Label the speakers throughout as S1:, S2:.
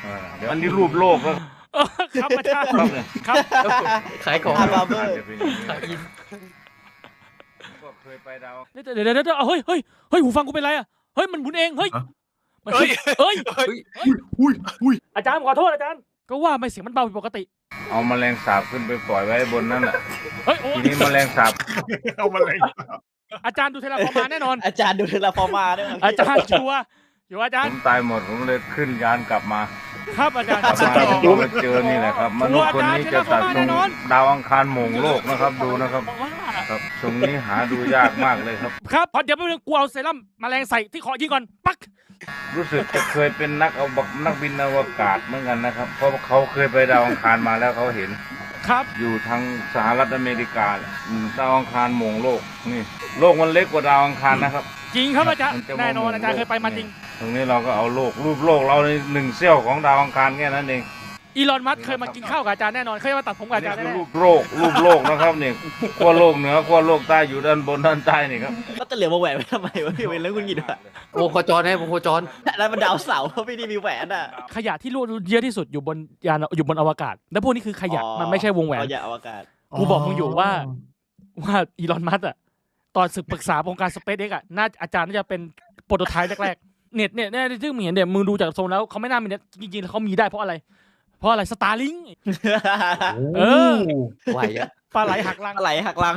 S1: อันนี้รูปโลกแล้ว
S2: ครับอาจารย์ครับ
S3: ขายของ
S4: บาร์เบอร์
S3: ขายอิน
S1: ก็เคยไปดาว
S2: เดี๋ยวเฮ้ยหูฟังกูเป็นไรอ่ะเฮ้ยมันหมุนเองเฮ้ยเฮ้ยอาจารย์ขอโทษอาจารย์ก็ว่าไม่เสียงมันเบาผิดปกติ
S1: เอาแมลงสาบขึ้นไปปล่อยไว้บนนั้นอ่ะ
S2: เฮ้ยโอ้
S1: ทีนี้แมลงสาบ
S5: เอามาเลย
S2: อาจารย์ดูเทเลฟอร์มาแน่นอน
S4: อาจารย์ดูเทเลฟอร์มาด้วย
S2: อาจารย์ชัวร์อยู่อาจาร
S1: ผ
S2: ย์
S1: มตายหมดผมเลยขึ้นยานกลับมา
S2: ครับอาจารย์
S1: กลับมาก็มาเจอนี่แหละครับมนุษย์คนนี้จะตัดตรงดาวอังคารหม่งโลกนะครับดูนะครับ
S2: ว่า
S1: ครับตรงนี้หาดูยากมากเลยครับ
S2: ครับพอเดี๋ยวไปเรื่องกูเอาเซรั่มแมลงใส่ที่คอยิงก่อนปัก
S1: รู้สึกจะเคยเป็นนักบินอวกาศเหมือนกันนะครับ เพราะเขาเคยไปดาวอังคารมาแล้วเขาเห็น
S2: ครับ
S1: อยู่ทางสหรัฐอเมริกาดาวอังคารหม่งโลกนี่โลกมันเล็กกว่าดาวอังคารนะครับ
S2: จริงครับอาจารย์
S1: มันจะ
S2: แน่นอนอาจารย์เคยไปมาจริง
S1: ตรงนี้เราก็เอาโลกรูปโลกเราในหนึ่งเสี้ยวของดาวอังคารแค่นั้นเอง
S2: อีลอนมัสก์เคยมากินข้าวกับอาจารย์แน่นอนเคยมาตัดผมกับอาจารย์
S1: นี่
S2: แน่
S1: คือรูปโลกนะครับเนี่ยขั้วโลกเหนือขั้วโลกใต้อยู่ด้านบนด้านใต้นี่ครับ
S4: ก็จะเหลือมาแหวนไว้ทำไมวะพี่เป็นเรื่องคุณกินวะ
S3: วงโคจรให้วงโคจร
S4: แล้วมันดาวเสาร์ไม่ได้มีแหวนอ่ะ
S2: ๆขยะที่รั่วเยอะที่สุดอยู่บนยานอยู่บนอวกาศ แล้วพวกนี้คือขยะมันไม่ใช่วงแหวน
S4: ขยะอวกาศ
S2: กูบอกมึงอยู่ว่าอีลอนมัสก์อ่ะตอนศึกปรึกษาวงการสเปซเอ็กอ่ะน่าอาจารย์น่าจะเป็นโปรโตไทป์แรกๆเน็ตเนี่ยที่มึงเห็นเนี่ยมึงดูจากทรงแล้วเขาไม่น่ามีเน็ตจริงๆเขามีได้เพราะอะไรสตาร์ลิง เออ
S3: ไหวอะ
S2: ปลาไหลหักลัง
S4: อะไรหักลัง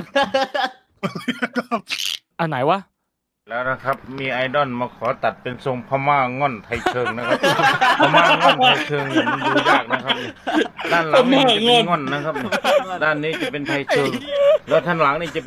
S2: อันไหนวะ
S1: แล้วนะครับมีไอดอลมาขอตัดเป็นทรงพม่าง่อนไทยเชิงนะครับ พม่าง่อนไทยเชิงเนี่ยมันดูยากนะครับด้านหลังนี่จะเป็นง่อนนะครับด้านนี้จะเป็นไทยเชิงแล้วท่านหลังนี่จะ